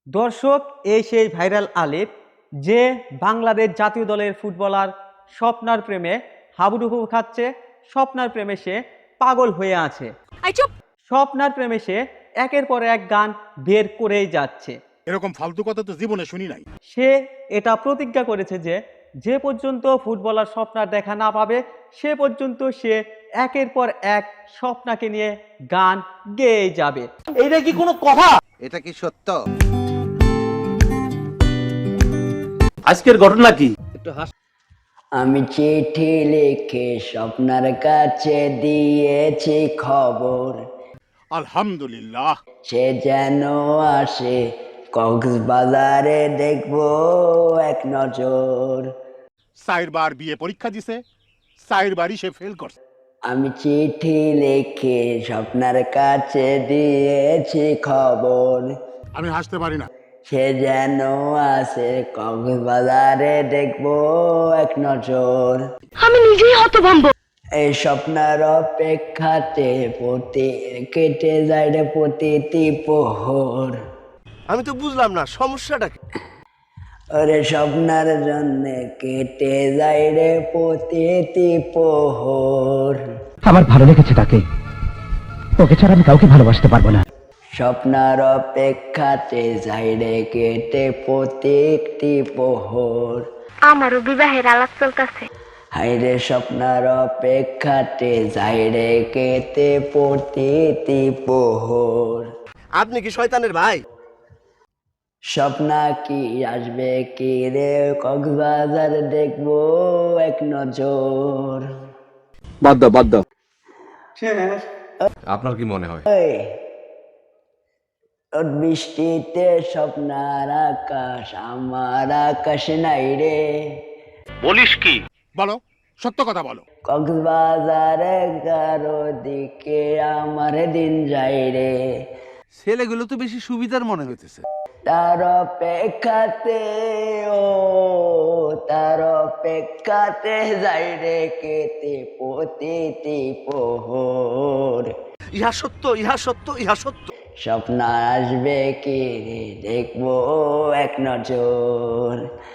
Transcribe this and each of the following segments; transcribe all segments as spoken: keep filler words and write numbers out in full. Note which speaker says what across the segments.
Speaker 1: দর্শক, এই সেই ভাইরাল আলিফ যে বাংলাদেশ জাতীয় দলের ফুটবলার স্বপ্নার প্রেমে হাবুডুবু খাচ্ছে। স্বপ্নার প্রেমে সে পাগল হয়ে আছে। স্বপ্নার প্রেমে সে একের পর এক গান বের করেই যাচ্ছে।
Speaker 2: এরকম ফালতু কথা তো জীবনে শুনি নাই।
Speaker 1: সে এটা প্রতিজ্ঞা করেছে যে যে পর্যন্ত ফুটবলার স্বপ্নার দেখা না পাবে সে পর্যন্ত সে একের পর এক স্বপ্নাকে নিয়ে গান গেয়ে যাবে।
Speaker 3: এটা কি কোনো কথা?
Speaker 4: এটা কি সত্য?
Speaker 3: আজকের ঘটনা কি?
Speaker 4: একটু হাস।
Speaker 5: আমি চিঠি লিখে স্বপ্নার কাছে দিয়েছি খবর,
Speaker 2: আলহামদুলিল্লাহ।
Speaker 5: সে যেন আসে কক্সবাজারে, দেখবো এক নজর।
Speaker 2: চারবার বিয়ে পরীক্ষা দিছে, চারবারই সে ফেল করছে।
Speaker 5: আমি চিঠি লিখে স্বপ্নার কাছে দিয়েছি খবর,
Speaker 2: আমি হাসতে পারি না।
Speaker 5: সে যেন আসে কক্সবাজারে, দেখবো এক নজর।
Speaker 6: আমি নিজেই হতভম্ব।
Speaker 5: এই স্বপ্নার অপেক্ষাতে প্রতি কেটে যায় রে প্রতিটি প্রহর।
Speaker 3: আমি তো বুঝলাম না সমস্যাটা কি।
Speaker 5: ওরে স্বপ্নার জন্য কেটে যায় রে প্রতিটি প্রহর।
Speaker 7: আমার ভালো লেগেছে তাকে, ওকে ছাড়া আমি কাউকে ভালোবাসতে পারবো না।
Speaker 5: স্বপ্নার অপেক্ষাতে যায় রে কেটে প্রত্যেকটি প্রহর।
Speaker 6: আমারও বিবাহের আলাপ চলতেছে।
Speaker 5: হাইরে স্বপ্নার অপেক্ষাতে যায় রে কেটে প্রতিটি প্রহর।
Speaker 3: আপনি কি শয়তানের ভাই?
Speaker 5: স্বপ্না কি আসবে কি রে কক্সবাজার, দেখবো এক নজর।
Speaker 8: বাদ দাও বাদ দাও।
Speaker 4: আপনার কি মনে হয়?
Speaker 5: ওই রোদ বৃষ্টিতে স্বপ্নার আকাশ, আমার আকাশ নাই রে।
Speaker 3: বলিস কি?
Speaker 2: বলো, সত্য কথা বলো।
Speaker 5: কক্সবাজার এগারো দিকে আমার দিন যায় রে।
Speaker 4: ছেলেগুলো তো বেশি সুবিধার মনে হইতেছে।
Speaker 5: তার অপেক্ষাতে ও তার অপেক্ষাতে যাই রে কেটে প্রতিটি প্রহর।
Speaker 3: ইহা সত্য, ইহা সত্য, ইহা সত্য।
Speaker 5: স্বপ্ন আসবে কি রে, দেখবো এক নজর।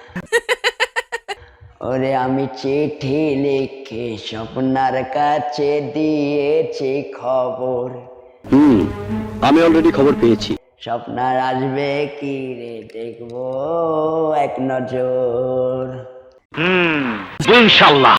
Speaker 5: ওরে আমি চিঠি লিখে স্বপ্নার কাছে দিয়েছি খবর।
Speaker 8: হুম, আমি অলরেডি খবর পেয়েছি।
Speaker 5: স্বপ্নার আসবে কি রে, দেখবো এক নজর।
Speaker 3: হুম, ইনশাআল্লাহ।